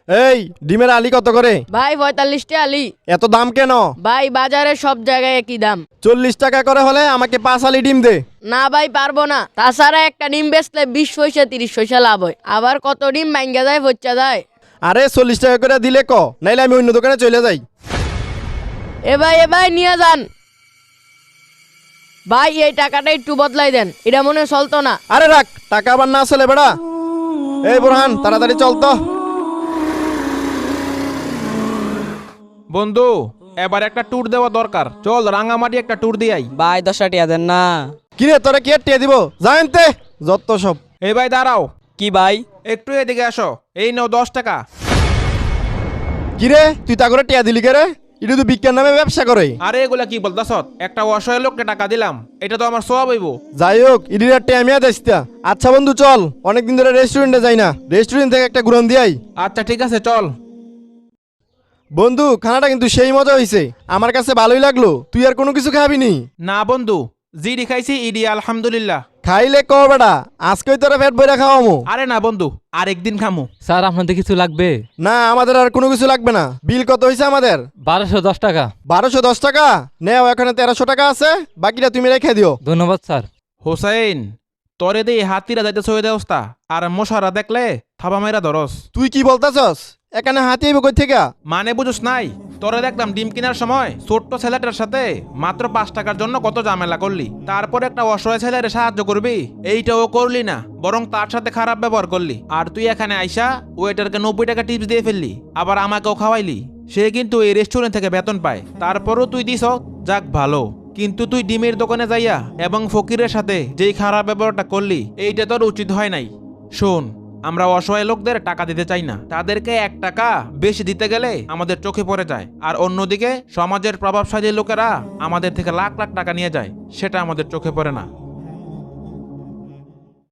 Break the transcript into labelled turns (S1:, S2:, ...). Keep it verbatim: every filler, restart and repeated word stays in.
S1: এই ডিমের আলি কত করে?
S2: ভাই পঁয়তাল্লিশটা আলি।
S1: এত দাম কেন?
S2: ভাই বাজারে সব জায়গায় একই দাম।
S1: চল্লিশ টাকা করে হলে আমাকে পাঁচ আলি ডিম দে।
S2: না ভাই পারবো না, তাছাড়া একটা ডিম বেচলে বিশ পয়সা তিরিশ পয়সা লাভ হয়, আবার কত ডিম ভাঙ্গা যায় ফচ্চা যায়।
S1: আরে চল্লিশ টাকা করে দিলে ক, নাইলে আমি অন্য দোকানে চলে যাই।
S2: এ ভাই এ ভাই নিয়ে যান ভাই, এই টাকাটা একটু বদলাই দেন, এটা মনে হয় চলতো না।
S1: আরে রাখ, টাকা আবার না আসলে বেড়া। এই বোরহান তাড়াতাড়ি চল তো।
S3: বন্ধু এবার একটা ট্যুর দেওয়া দরকার, চল রাঙামাটি একটা ট্যুর দিয়াই।
S4: ভাই দশটা টিয়া দেন না।
S1: কিরে তোরা কি টিয়া দিব? জানতে যত সব।
S3: এই ভাই দাঁড়াও,
S4: কি ভাই?
S3: একটু এদিকে আসো, এই নাও দশ টাকা।
S1: কিরে তুই তা করে টিয়া দিলি কে রে? এটা তো বিজ্ঞান নামে ব্যবসা করে।
S3: আরে এগুলা কি বলতাছ? একটা অসহায় লোককে টাকা দিলাম, এটা তো আমার সওয়াব হইব।
S1: যাই হোক ইডির টিয়া মিয়া দেশটা। আচ্ছা বন্ধু চল, অনেকদিন ধরে রেস্টুরেন্টে যাই না, রেস্টুরেন্ট থেকে একটা ঘুরন দিয়াই।
S3: আচ্ছা ঠিক আছে চল।
S1: বন্ধু খানাটা কিন্তু সেই মজা হইছে, আমার কাছে ভালোই লাগলো। তুই আর কোনো কিছু খাবি নি?
S3: না বন্ধু, জিডি খাইছি ইডি আলহামদুলিল্লাহ।
S1: খাইলে ক বেটা, আজকেই তোরা পেট বইরা খাওয়ামু।
S3: আরে না বন্ধু, আরেকদিন খামু।
S5: স্যার আপনাদের কিছু লাগবে?
S1: না আমাদের আর কোনো কিছু লাগবে না। বিল কত হয়েছে আমাদের?
S5: বারোশো দশ টাকা।
S1: বারোশো দশ টাকা নেও, এখানে তেরোশো টাকা আছে, বাকিটা তুমি রেখে দিও।
S5: ধন্যবাদ স্যার।
S3: হোসেন তোরে দিয়ে হাতিরা যাইতে সই দেওস্তা, আর মশারা দেখলে থাবা মাইরা ধরস।
S1: তুই কি বলতেছস? এখানে হাতি আইব কই থেকে?
S3: মানে বুঝুস নাই, তোরে দেখলাম ডিম কেনার সময় ছোট্ট ছেলেটার সাথে মাত্র পাঁচ টাকার জন্য কত ঝামেলা করলি, তারপর একটা অসহায় ছেলের সাহায্য করবি, এইটাও করলি না, বরং তার সাথে খারাপ ব্যবহার করলি। আর তুই এখানে আইসা ওয়েটারকে নব্বই টাকা টিপস দিয়ে ফেললি, আবার আমাকেও খাওয়াইলি। সে কিন্তু এই রেস্টুরেন্ট থেকে বেতন পায়, তারপরও তুই দিস, যাক ভালো। কিন্তু তুই ডিমের দোকানে যাইয়া এবং ফকিরের সাথে যেই খারাপ ব্যবহারটা করলি, এইটা তোর উচিত হয় নাই। শোন, আমরা অসহায় লোকদের টাকা দিতে চাই না, তাদেরকে এক টাকা বেশি দিতে গেলে আমাদের চোখে পড়ে যায়, আর অন্যদিকে সমাজের প্রভাবশালী লোকেরা আমাদের থেকে লাখ লাখ টাকা নিয়ে যায়, সেটা আমাদের চোখে পড়ে না।